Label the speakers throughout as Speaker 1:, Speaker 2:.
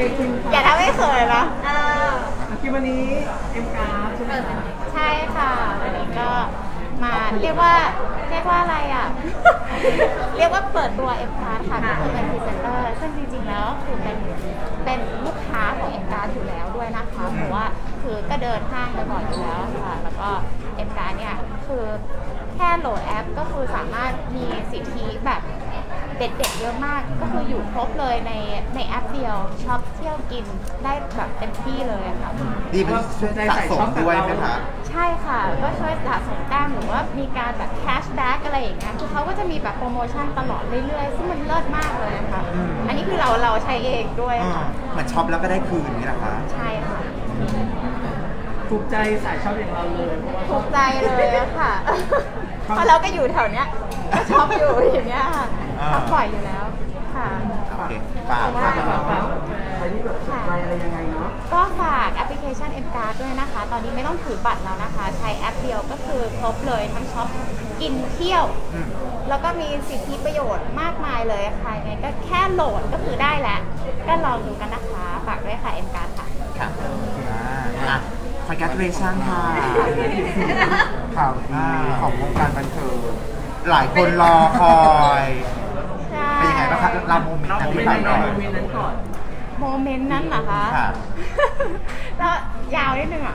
Speaker 1: อย่าทำให้เขินนะ
Speaker 2: ที่วันนี้เอ็มการ์ดใช่ไหมคะ
Speaker 1: ใช่ค่ะวันนี้ก็มาเรียกว่าอะไรอ่ะ เรียกว่าเปิดตัว M Card ค่ะก็คือเป็นพรีเซนเตอร์ซึ่งจริงๆแล้วคือเป็นลูกค้าของ M Card อยู่แล้วด้วยนะคะเพราะว่าคือก็เดินห้างบ่อยอยู่แล้วค่ะแล้วก็ M Card เนี่ยคือแค่โหลดแอปก็คือสามารถมีสิทธิแบบเด็ดๆเยอะมากก็คืออยู่ครบเลยในแอปเดียวช็อปเที่ยวกินได้แบบเต็มที่เลยค่ะ
Speaker 3: ดีเป็นช่วยสะสมด้วยไหมคะ
Speaker 1: ใช่ค่ะก็ช่วยสะสมแต้มหรือว่ามีการแบบแคชแบ็กอะไรอย่างเงี้ยคือเขาก็จะมีแบบโปรโมชั่นตลอดเรื่อยๆซึ่งมันเลิศมากเลยค่ะอันนี้คือเราใช้เองด้วยค่ะ
Speaker 3: เหมือนช็อปแล้วก็ได้คืนนี่นะคะ
Speaker 1: ใช่ค่ะ
Speaker 2: ถูกใจสายช็อปอย่างเราเลย
Speaker 1: ถูกใจเลยค่ะเพราะเราก็อยู่แถวเนี้ยก็ช็อปอยู่อย่างเงี้ยค่ะช็อปบ่อยอยู่แล้วค่ะ
Speaker 3: โอเคฝาก
Speaker 2: ใครที่แบบสนใจอะไรยังไงเนาะ
Speaker 1: ก็ฝากแอปพลิเคชัน M Card ด้วยนะคะตอนนี้ไม่ต้องถือบัตรแล้วนะคะใช้แอปเดียวก็คือครบเลยทั้งช็อปกินเที่ยวแล้วก็มีสิทธิประโยชน์มากมายเลยค่ะไงก็แค่โหลดก็คือได้แล้วก็ลองดูกันนะคะฝากด้วยค่ะ M Card ค่ะ
Speaker 3: ค่ะcongratulation ค่ะข่าวดีของวงการบันเทิงหลายคนรอคอยเป็นยังไงบ้างคะเราโมเมนต์นั้นที่ไปก่อน
Speaker 1: โมเมนต์นั้นเหรอคะแล้วยาวนิดนึงอ่ะ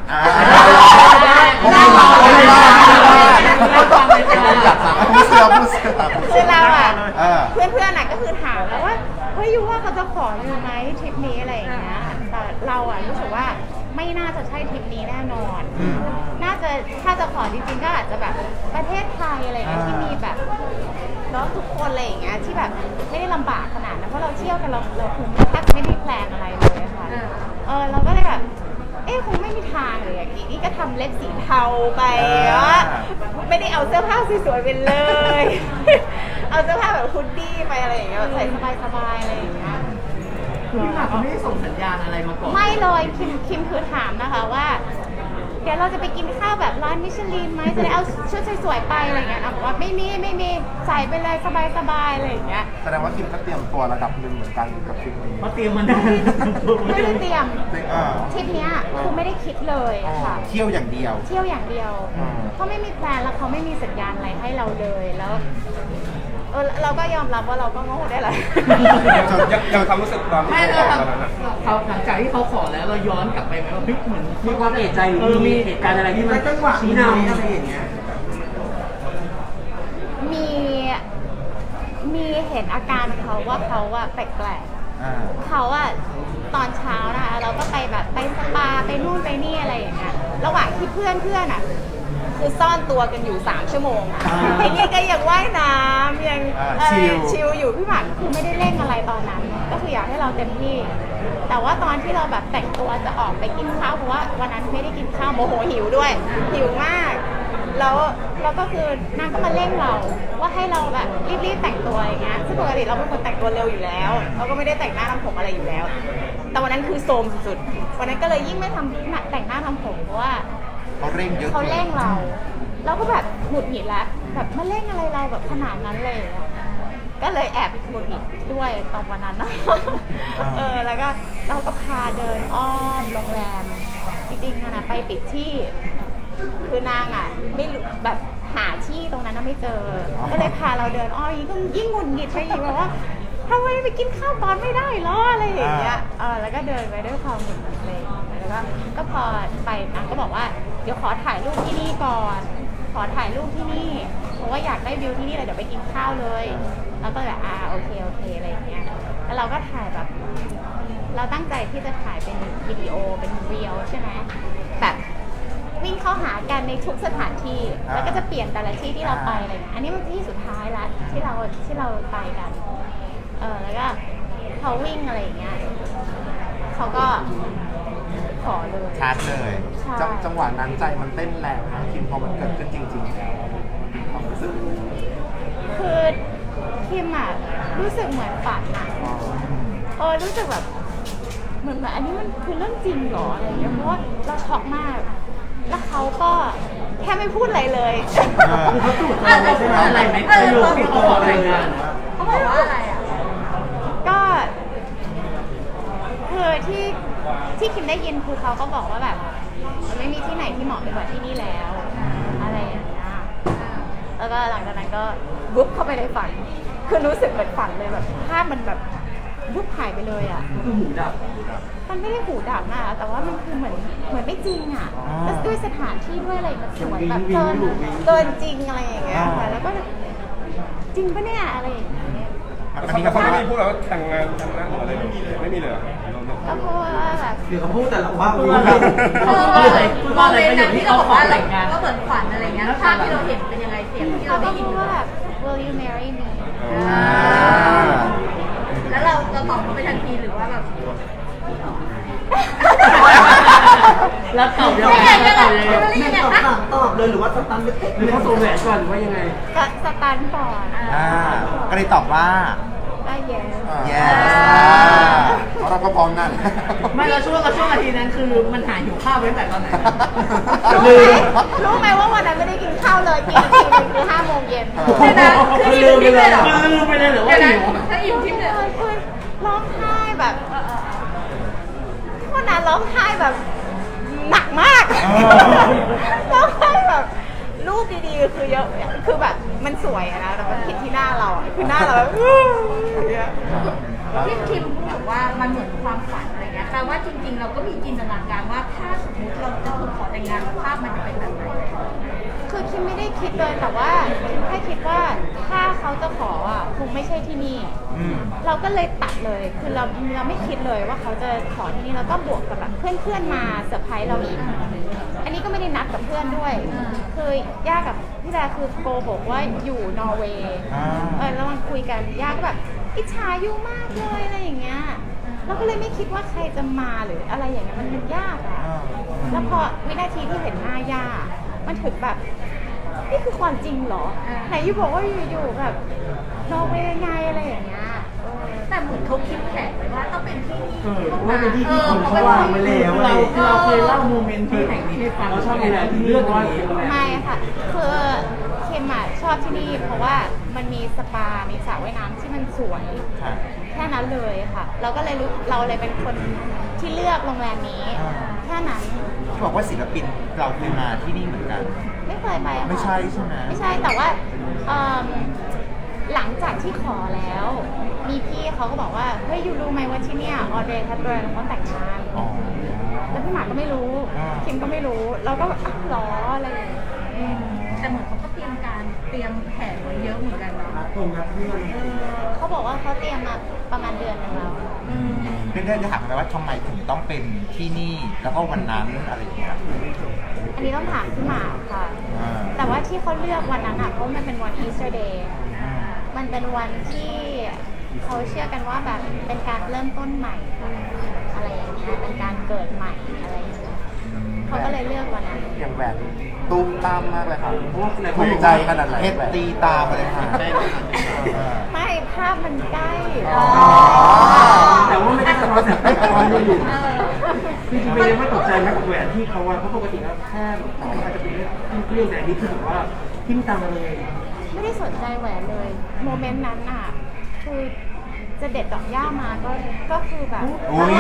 Speaker 1: คือเราอ่ะเพื่อนๆน่ะก็คือถามแล้วว่าเฮ้ยยูว่าเขาจะขออยู่ไหมทริปนี้อะไรอย่างเงี้ยแต่เราอ่ะรู้สึกว่าไม่น่าจะใช่ทริปนี้แน่นอนน่าจะถ้าจะขอจริงๆก็อาจจะแบบประเทศไทยอะไรอย่างเงี้ยที่มีแบบแล้วทุกคนอะไรอย่างเงี้ยที่แบบไม่ได้ลำบากขนาดนั้นเพราะเราเที่ยวกันเราคงแทบไม่ได้แพลนอะไรเลยค่ะเราก็เลยแบบคงไม่มีทางเลยอย่างนี้นี่ก็ทำเล็บสีเทาไปว่าไม่ได้เอาเสื้อผ้าสวยๆไปเลยเอาเสื้อผ้าแบบฮุดดี้ไปอะไรอย่างเงี้ยใส่สบายๆอะไรอย่างเงี้ย
Speaker 2: พี่หมากเขาไม่ได้ส่งสัญญาณอะไรมาก่อน
Speaker 1: ไม่เลยคิมคือถามนะคะว่าเดี๋ยวเราจะไปกินข้าวแบบร้านมิชลินไหมจะได้เอาชุดสวยๆไปอะไรอย่างเงี้ยบอกว่าไม่มีใส่ไปเลยสบายๆอะไรอย่างเงี้ย
Speaker 3: แสดงว่าคิมก็เตรียมตัวระดับหนึ่งเหมือนกันกับทริปนี้
Speaker 2: เขาเตรียมมานาน
Speaker 1: ไม่ได้เตรียมทริปเนี้ยคือไม่ได้คิดเลยค่ะ
Speaker 3: เที่ยวอย่างเดียว
Speaker 1: เขาไม่มีแพลนแล้วเขาไม่มีสัญญาณอะไรให้เราเลยแล้วเราก็ยอมรับว่าเราก็โง่ได้แหละ
Speaker 3: ยังความรู้สึกตอนที่
Speaker 2: เขาหลังจากที่เขาขอแล้วเราย้อนกลับไปไหมว่าเหมือนมีความเอะใจหรือมีเหตุการณ์อะไรที่มันชี้นำอะไรอย่างเงี้ย
Speaker 1: มีเห็นอาการเขาว่าเขาอะแปลกๆเขาอะตอนเช้านะคะเราก็ไปแบบไปสปาไปนู่นไปนี่อะไรอย่างเงี้ยระหว่างที่เพื่อนอะคือซ่อนตัวกันอยู่3 ชั่วโมงไอ้นี่ก็ยังว่ายน้ำยังชิลอยู่พี่หมากคือไม่ได้เร่งอะไรตอนนั้นก็คืออยากให้เราเต็มที่แต่ว่าตอนที่เราแบบแต่งตัวจะออกไปกินข้าวเพราะว่าวันนั้นไม่ได้กินข้าวโมโหหิวด้วยหิวมากแล้วก็คือนางก็มาเร่งเราว่าให้เราแบบรีบแต่งตัวอย่างเงี้ยซึ่งปกติเราเป็นคนแต่งตัวเร็วอยู่แล้วเราก็ไม่ได้แต่งหน้าทำผมอะไรอยู่แล้วแต่วันนั้นคือโซมสุดๆวันนั้นก็เลยยิ่งไม่ทำแต่งหน้าทำผมเพราะว่า
Speaker 3: เขาเร่งเยอะ
Speaker 1: เขาเร่งเราก็แบบหงุดหงิดแล้วแบบมาเร่งอะไรเราแบบขนาดนั้นเลยก็เลยแอบหงุดหงิดด้วยตอนวันนั้นนะแล้วก็เราก็พาเดินอ้อมโรงแรมจริงๆนะไปปิดที่คือนางอ่ะไม่แบบหาที่ตรงนั้นไม่เจอก็เลยพาเราเดินอ้อมยิ่งหงุดหงิดไปอีกแบบว่าทำไมไปกินข้าวตอนไม่ได้หรออะไรอย่างเงี้ยแล้วก็เดินไปด้วยความหงุดหงิดเลยแล้วก็พอไปนางก็บอกว่าเดี๋ยวขอถ่ายรูปที่นี่ก่อนขอถ่ายรูปที่นี่เพราะว่าอยากได้วิวที่นี่เลยเดี๋ยวไปกินข้าวเลยแล้วก็แบบโอเคอะไรอย่างเงี้ยแล้วเราก็ถ่ายแบบเราตั้งใจที่จะถ่ายเป็นวิดีโอเป็นเรียลใช่ไหมแบบวิ่งเข้าหากันในทุกสถานที่แล้วก็จะเปลี่ยนแต่ละที่ที่เราไปอะไรอันนี้มันที่สุดท้ายละที่เราไปกันแล้วก็เขาวิ่งอะไรอย่างเงี้ยเขาก็ขอเลย
Speaker 3: ชาร์จเลยจังหวะนั้นใจมันเต้นแรงนะคิมพอมันเกิดขึ้นจริงๆแล้วความรู้สึก
Speaker 1: คือคิมอะรู้สึกเหมือนฝันนะรู้สึกแบบเหมือนอันนี้มันคือเรื่องจริงเหรออะไรอย่างเงี้ยเพราะว่าเราช็อกมากแล้วเขาก็แค่ไม่พูดอะไรเลย
Speaker 2: เขาถูกอะไรไหมประโยคที่เขาบอกอะไรกัน
Speaker 1: เขาบอกว่าอะไรก็คือที่คิมได้ยินคือเขาก็บอกว่าแบบมันไม่มีที่ไหนที่เหมาะไปกว่าที่นี่แล้วอะไรอย่างเงี้ยแล้วก็หลังจากนั้นก็วุบเข้าไปในฝันคือรู้สึกเหมือนฝันเลยแบบภาพมันแบบวุบหายไปเลยอ่ะ
Speaker 2: คือหูดับ
Speaker 1: มันไม่ได้หูดับนะแต่ว่ามันคือเหมือนไม่จริงอ่ะแล้วด้วยสถานที่ด้วยอะไรมันสวยแบบเกินจริงอะไรอย่างเงี้ยค่ะแล้วก็จริงปะเนี่ยอะไรอย่างเงี้ย
Speaker 3: มัน
Speaker 4: เขา
Speaker 3: มี
Speaker 4: ไม่
Speaker 3: คำ
Speaker 4: ได้
Speaker 3: ว่า
Speaker 4: พูดแล้วว่าแต่งงานทำหน้าหรืออะไรไม่มีเลยเหรอ
Speaker 1: ก็เพราะว่าแบบ
Speaker 3: เดี๋ยวเขาพูดแต่ละว่า
Speaker 2: พูดว่าอะไรพูดว่าอะไรประโยคที่เขาขอแต่งงาน
Speaker 5: ก็เหมือนฝันอะไรเงี้ยภาพที่เราเห็นเป็นยังไงเสียงที่
Speaker 1: เขา
Speaker 5: เรา
Speaker 1: ก็
Speaker 5: ได้ยิน
Speaker 1: พูดว่าแบบ will you marry me
Speaker 5: แล้วเราตอบเขาไปทันทีหรือว่าแบบ
Speaker 2: แล้วตอบยังไงแล้วตอบยังไง
Speaker 5: ไม่ตอบเลยหรือว่า
Speaker 2: หรือเขาส่งแหวนก่อนหรือว่ายังไง
Speaker 1: ก็สตันก่อน
Speaker 3: ก็เลยตอบว่า
Speaker 1: ก็ yes
Speaker 3: yes เพราะเราก็พร้อมนั่น
Speaker 2: ไม่แล้วช่วงนาทีนั้นคือมันหายหิวข้าวไว้แต่ตอนไหน
Speaker 1: รู้ไหมว่าวันนั้นไม่ได้กินข้าวเลยกินอีกทีนึงคือ5 โมงเย็น
Speaker 5: เดี๋ยวนะคืออิ่มทิพย์เลยเหรอ
Speaker 2: ลืมไปเลยเหรอ
Speaker 5: เดี๋
Speaker 2: ว่า
Speaker 5: ยวนะ
Speaker 2: หิว
Speaker 5: ถ้าอิ่มทิพย์เลย
Speaker 1: คือร้องไห้แบบวันนั้นร้องไห้แบบหนักมากร้องไห้แบบรูปดีๆคือเยอะคือแบบมันสวยอะนะแต่มันผิดที่หน้าเราอะคือหน้าเราแบบอย่างเงี้ย
Speaker 5: ที่คิมพูดบอกว่ามันเหมือนความฝันอะไรเงี้ยแปลว่าจริงๆ เราก็มีจินตนาการว่าถ้าสมมติเราจะถูกขอแต่งงานภาพมันจะเป็นแบบไหน
Speaker 1: คือคิมไม่ได้คิดเลยแต่ว่าคิมแค่คิดว่าถ้าเขาจะขออ่ะคงไม่ใช่ที่นี่ เราก็เลยตัดเลยคือเราไม่คิดเลยว่าเขาจะขอที่นี่แล้วก็บวกกับแบบเพื่อนๆมาเซอร์ไพรส์เราอีกอันนี้ก็ไม่ได้นัดกับเพื่อนด้วย คือย่ากับพี่แดคือโกหกว่าอยู่นอร์เวย์แล้วมันคุยกันย่าก็แบบอิจฉาอยู่มากเลยอะไรอย่างเงี้ยเราก็เลยไม่คิดว่าใครจะมาหรืออะไรอย่างเงี้ยมันยากอะแล้วพอวินาทีที่เห็นหน้าย่ามันถึงแบบนี่คือความจริงเหรอไหนยูบอกว่าอยู่ๆแบบนอร์เวย์ไงอะไรอย่างเงี้ย
Speaker 5: แต่เหมือนเขาคิดแผนไว้ว่าต้องเป็นที่นี่
Speaker 2: ว่าเป็นที่ที่คนเขาวางไว้แล้วเราเคยเล่าโมเมนต์ที่แห่งนี้ให้ฟังเราชอบอะไรที่เลือกว่า
Speaker 1: ไม่ค่ะ คือเคมอะชอบที่นี่เพราะว่ามันมีสปา มีสระว่ายน้ำที่มันสวย แค่นั้นเลยค่ะ เราก็เลยเราเลยเป็นคนที่เลือกโรงแรมนี้ แค่นั้น
Speaker 3: ที่บอกว่าศิลปินเราเคยมาที่นี่เหมือนกัน
Speaker 1: ไม่เคยไปอะค่ะ
Speaker 3: ไม่ใช่ใช่ไหม
Speaker 1: ไม่ใช่แต่ว่าหลังจากที่ขอแล้ว มีพี่เขาก็บอกว่าเฮ้ยยูรู้ไหมว่าที่เนี่ยออเดย์แฮปเปิร์นเขาแต่งงาน
Speaker 3: อ๋อ
Speaker 1: แล้วพี่หมากก็ไม่รู้ คิมก็ไม่รู้ เราก็แบบอ้าวเหรออะไรอย่างเงี้ย
Speaker 5: แต่เหมือนเขาก็เตรียมแผนไว้เยอะเหมือนกันเนาะ
Speaker 1: เขาบอกว่าเขาเตรียมมาประมาณเดือนนึงแล้ว
Speaker 3: เพื่อนๆจะถามไหมว่าทำไมถึงต้องเป็นที่นี่แล้วก็วันนั้นอะไรอย่างเงี้ย
Speaker 1: อันนี้ต้องถามพี่หมากค่ะ
Speaker 3: อ่า
Speaker 1: แต่ว่าที่เขาเลือกวันนั้นอ่ะเพราะมันเป็นวัน Easter Day มันเป็นวันที่เขาเชื่อกันว่าแบบเป็นการเริ่มต้นใหม่อะไรอย่างเงี้ยเป็นการเกิดใหม่อะไรอย่างเงี้ยเขาก็เลยเลือกวันนั้น
Speaker 3: อย่างแหวนตุ้มตามมากเลยค่ะถูกใจขนาดไหนเพชรตีตามมาเลยค่ะ
Speaker 1: ไม่ภาพมันใกล้
Speaker 2: แต่ว่าไม่ได้สะท้อนแสงไฟตอนอยู่จริงๆเป็นยังไม่ตกใจไหมกับแหวนที่เขาว่าเพราะปกติแล้วแค่อาจจะเป็นเรื่องแต่นี้คือแบบว่าทิ่มตามมาเลย
Speaker 1: ไม่ได้สนใจแหวนเลย โมเมนต์นั้นอ่ะ คือจะเด็ดดอกหญ้ามาก็คือแบบ
Speaker 3: อุ้ย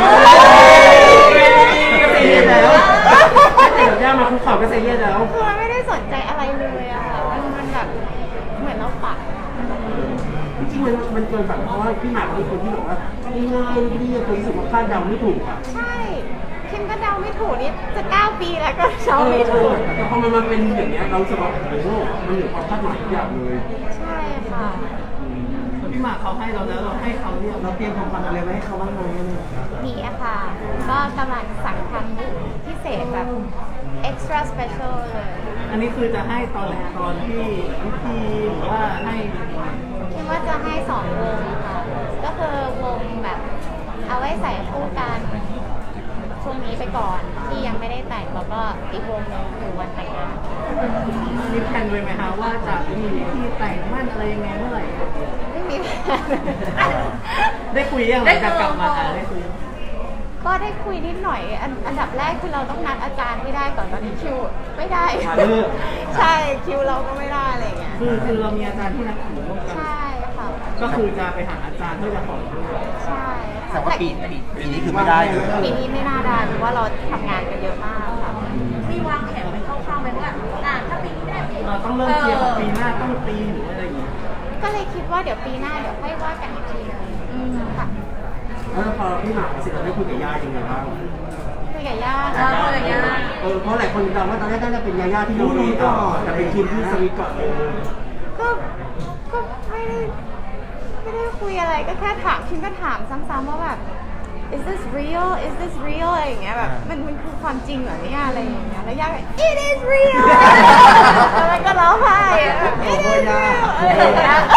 Speaker 2: ก็เสียแล้วแต่ดอกย่ามาคุกเข่าก็เสียแล้ว
Speaker 1: คือมันไม่ได้สนใจอะไรเลยอะค่ะมันแบบเหมือนเราปัด
Speaker 2: จริงๆมันเกินแบบเพราะว่าพี่หมากเป็นคนที่แบบว่าง่ายๆเรียบๆรู้สึกว่าคาดเดาไม่ถูกอ่ะ
Speaker 1: ใช่คิมก็เดาไม่ถูกนี่จะ9 ปีแล้วก็เดาไม่ถูก
Speaker 2: แต่พอมันเป็นอย่างเงี้ยเรารู้สึกว่าโอ้โหมันเหนือความคาดหมายทุกอย่างเลย
Speaker 1: ใช่ค่ะ
Speaker 2: พี่หมากเขาให้เราแล้วเราให้เขาเนี่ยเราเตรียมของขวัญอะไรไว้ให้เขาบ้างไหม
Speaker 1: มีอะค่ะ ก็กำลังสั่งทำพิเศษแบบ extra special เลย
Speaker 2: อันนี้คือจะให้ตอนไหนตอนที่พิธีหรือว่าให้
Speaker 1: คิดว่าจะให้2 วงค่ะ ก็คือวงแบบเอาไว้ใส่คู่กันช่วงนี้ไปก่อนที่ยังไม่ได้แต่งแล้วก็อีกวงหนึงอยู่วันแต่งงาน
Speaker 2: มีแผนไว้ไหมคะว่าจะมีที่แต่งมั่นอะไรยังไงเมื่อไหร่
Speaker 1: ไม่มีแผน
Speaker 2: ได้คุยยังหลังจากกลับมาได้คุย
Speaker 1: ก็ได้คุยนิดหน่อยอันดับแรกคือเราต้องนัดอาจารย์ให้ได้ก่อนตอนนี้คิวไม่ได้ ใช่คิวเราก็ไม่ได้อะไรอย่างเงี้ย
Speaker 2: คือเรามีอาจารย์ที่นักถือร่วมกัน
Speaker 1: ใช่ค่ะ
Speaker 2: ก็คือจะไปหาอาจารย์เพื่อจะขอด้วย
Speaker 1: ใช่
Speaker 3: แต่ว่าปีนี้คือไม่ได้เลย
Speaker 1: ปีนี้ไม่น่าได้เพราะว่าเราทำงานกันเยอะมากค่ะ
Speaker 5: มีวางแผนไว้คร่าวๆไหมว่าถ้าปีนี้ได้ปี
Speaker 2: เราต้องเริ่มเคลียร์ของปีหน้าต้องปีหรืออะไรอย่างเงี้ย
Speaker 1: ก็เลยคิดว่าเดี๋ยวปีหน้าเดี๋ยวค่อยว่ากันอีกทีนึงค่ะ
Speaker 2: แล้วพอพี่หมากเสร็จเราได้คุยกับย่ายังไงบ้าง
Speaker 1: คุยกับย่า
Speaker 2: เพราะหลายคนเดาว่าตอนแรกน่าจะเป็นย่าที่รู้ดีก่อนแต่เป็นทีมที่สวีทก่อนเลย
Speaker 1: ก็ไม่ได้คุยอะไรก็แค่ถามคิมก็ถามซ้ำๆว่าแบบ is this real is this real อะไรอย่างเงี้ยแบบมันคือความจริงเหรอเนี่ยอะไรอย่างเงี้ยแล้วย่าก็ it is real แล้วก็ร้องไห้ it is real อะไรอย่างเงี้ย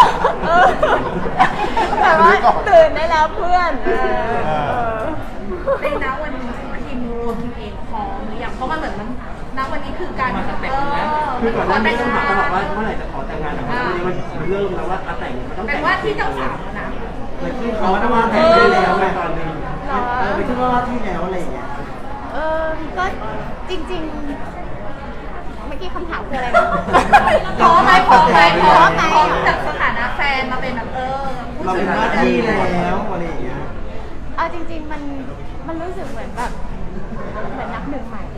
Speaker 1: แต่ว่าตื่นได้แล้วเพื่อน
Speaker 5: ในณวันนี้ทีมรวมทีมเองพร้อมหรือยังเพราะมันเหมือนมันณวันนี้คือการ
Speaker 2: คือก่อนหน้านี้ต้องถามตลอดว่าเมื่อไหร่จะขอแต่งงานแต่วันนี้มันเริ่มแล้วว่าแต่งมันต้อง
Speaker 5: แต่
Speaker 2: แต่ง
Speaker 5: ว่าที่เจ้าสาวนะ
Speaker 2: เขาต้องวางแผนได้แล้วในตอนนี้ไปขึ้นว่าที่แล้วอะไรอย่างเงี้ย
Speaker 1: ก็จริงๆเมื่อกี้คำถามคืออะไรนะ
Speaker 5: พร้อมไหมพร้อมจากสถานะแฟนมาเป็นแบบ
Speaker 2: เราเป็นหน้าที่แล้วอะไรอย่างเงี้ย
Speaker 1: เอาจริงๆมันรู้สึกเหมือนแบบเหมือนนับหนึ่งใหม่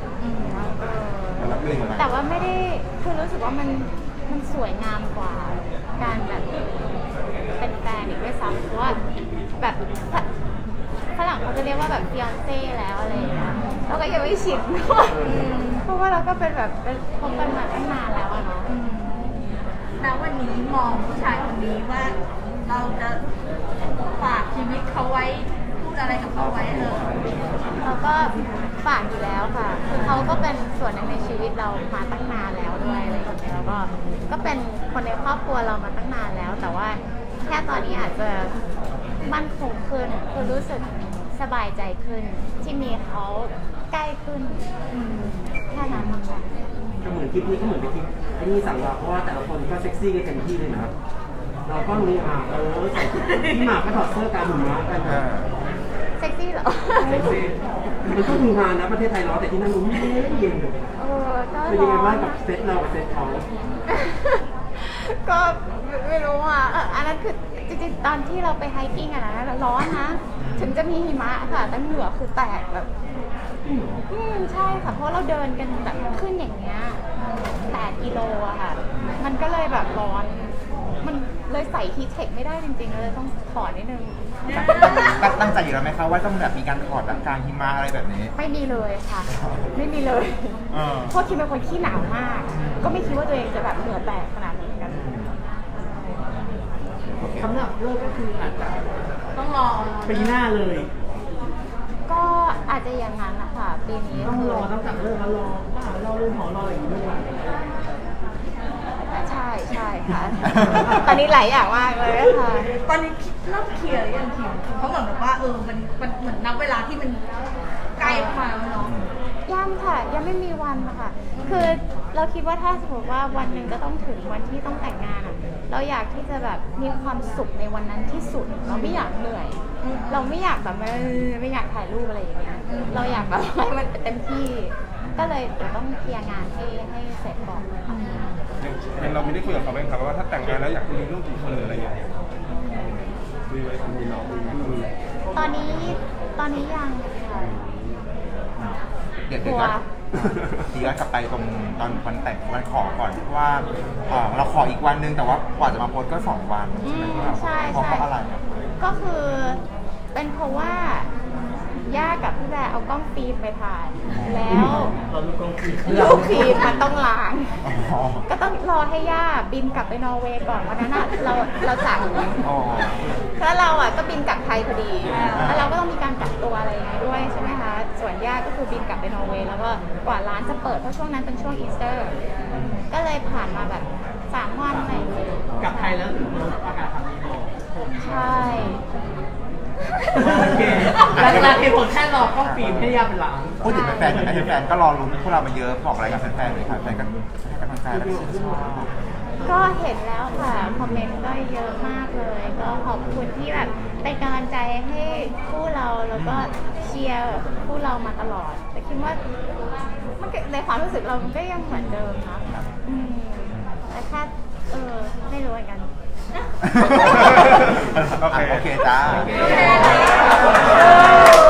Speaker 1: แต่ว่าไม่ได้คือรู้สึกว่ามันสวยงามกว่าการแบบเป็นแฟนอีกด้วยซ้ำเพราะว่าแบบฝรั่งเขาจะเรียกว่าแบบฟิออนเซ่แล้วอะไรอย่างเงี้ยเราก็ยังไม่ชินด้วยเพราะว่าเราก็เป็นแบบเป็นคบกันมาตั้งนานแล้วอะเนาะ
Speaker 5: ณวันนี้มองผู้ชายคนนี้ว่าเราจะฝากชีวิตเขาไว้พูดอะไรกับเขาไว้
Speaker 1: เราก็ฝากอยู่แล้วค่ะคือเขาก็เป็นส่วนหนึ่งในชีวิตเรามาตั้งนานแล้วด้วยอะไรอย่างเงี้ยแล้วก็เป็นคนในครอบครัวเรามาตั้งนานแล้วแต่ว่าแค่ตอนนี้อาจจะมั่นคงขึ้นคือรู้สึกสบายใจขึ้นที่มีเขาใกล้ขึ้นแค่นั้นค่ะ
Speaker 2: ก็เหมือนคลิปนี้ก็เหมือนเป็นคลิปไอ้นี่สั่งเราเพราะว่าแต่ละคนก็เซ็กซี่กันเต็มที่เลยนะเราก็รู้ใส่พี่หมากก็ถอดเสื้อกลางหุ่นม้ากัน
Speaker 1: เซ็กซี่เหรอ
Speaker 2: เซ็กซี่มันก็ดูงานนะประเทศไทยร้อนแต่ที่นั่นรู้ไม่เย็นเป็นยังไงบ้างกับเซตเรากับเซตเขา
Speaker 1: ก็ไม่รู้อ่ะอันนั้นคือจริงๆตอนที่เราไปไฮกิ้งอะนะร้อนนะถึงจะมีหิมะค่ะแต่เหงื่อคือแตกแบบใช่ค่ะเพราะเราเดินกันแบบขึ้นอย่างเงี้ย8 กิโลอะค่ะมันก็เลยแบบร้อนมันเลยใส่ฮีทเทคไม่ได้จริงๆเลยต้องถอดนิดนึง
Speaker 3: ตั้งใจอยู่แล้วไหมคะว่าต้องแบบมีการถอดแบบกลางหิมะอะไรแบบนี้
Speaker 1: ไม่มีเลยค่ะไม่มีเลยเพราะคิดเป็นคนขี้หนาวมากก็ไม่คิดว่าตัวเองจะแบบเหงื่อแตกขนาดนั้นกัน
Speaker 2: สำหรับเลิกก็คืออาจจะ
Speaker 5: ต้องรอ
Speaker 2: ปีหน้าเลย
Speaker 1: ก็อาจจะอย่างนั้นนะคะปีนี้
Speaker 2: ต้องรอตั้งแต่เลิกแล้วรอเรื่องหอรออย่างนี้ด้วย
Speaker 1: ใช่ค่ะตอนนี้หลายอย่างมากเลยค่ะ
Speaker 5: ตอนนี้เริ่มเคลียร์หรือยังทีมเขาเหมือนแบบว่ามันเหมือนนับเวลาที่มันใกล้มาแล้วเนาะ
Speaker 1: ยังค่ะยังไม่มีวันนะคะคือเราคิดว่าถ้าสมมติว่าวันหนึ่งจะต้องถึงวันที่ต้องแต่งงานอ่ะเราอยากที่จะแบบมีความสุขในวันนั้นที่สุดเราไม่อยากเหนื่อยเราไม่อยากแบบไม่อยากถ่ายรูปอะไรอย่างเงี้ยเราอยากแบบให้มันเต็มที่ก็เลยเดี๋ยวต้องเคลียร์งานให้เสร็จก่อนค่ะ
Speaker 4: เราไม่ได้คุยกับเขาไหมครับว่าถ้าแต่งงานแล้วอยากมีลูกกี่คนหรืออะไรอย่างเงี้ยคุยไว้ทำมีน้อง
Speaker 1: ตอนนี้ยังค่ะ
Speaker 3: เดี๋ยวย้อนกลับไปตรงตอนวันแต่งวันขอก่อนเพราะว่าเราขออีกวันนึงแต่ว่ากว่าจะมาโพสก็2 วันใช่ไหมครับเพราะอะไร
Speaker 1: ก็คือเป็นเพราะว่าย่ากับพี่แบร์เอากล้องฟิล์มไปถ่ายแล้วลูกฟิล์มมันต้องล้างก็ต้องรอให้ย่าบินกลับไปนอร์เวย์ก่อนวันนั้นเราจากแล้วเราอ่ะก็บินกลับไทยพอดีแล้วเราก็ต้องมีการกักตัวอะไรอย่างเงี้ยด้วยใช่ไหมคะส่วนย่าก็คือบินกลับไปนอร์เวย์แล้วก็กว่าร้านจะเปิดเพราะช่วงนั้นเป็นช่วงอีสเตอร์ก็เลยผ่านมาแบบ3 วันอะไรอย่างเงี้ย
Speaker 2: กลับไทยแล้วถึงอากาศทำดี
Speaker 1: ใช่
Speaker 2: โอเคหลักๆเหตุผลแค่รอกล้องฟิล์มให้ย่าเป็นหลัง
Speaker 3: พูดถึงแฟนๆแฟนก็รอลุ้นพวกเรามาเยอะบอกอะไรกับแฟนๆเลยค่ะแฟนกันแฟนแล้ว
Speaker 1: ก็เห็นแล้วค่ะคอมเมนต์ก็เยอะมากเลยก็ขอบคุณที่แบบเป็นกำลังใจให้คู่เราแล้วก็เชียร์คู่เรามาตลอดแต่คิดว่ามันในความรู้สึกเราก็ยังเหมือนเดิมนะแต่แค่ไม่รู้เหมือนกัน
Speaker 3: โอเคเคจ้า
Speaker 5: โอเค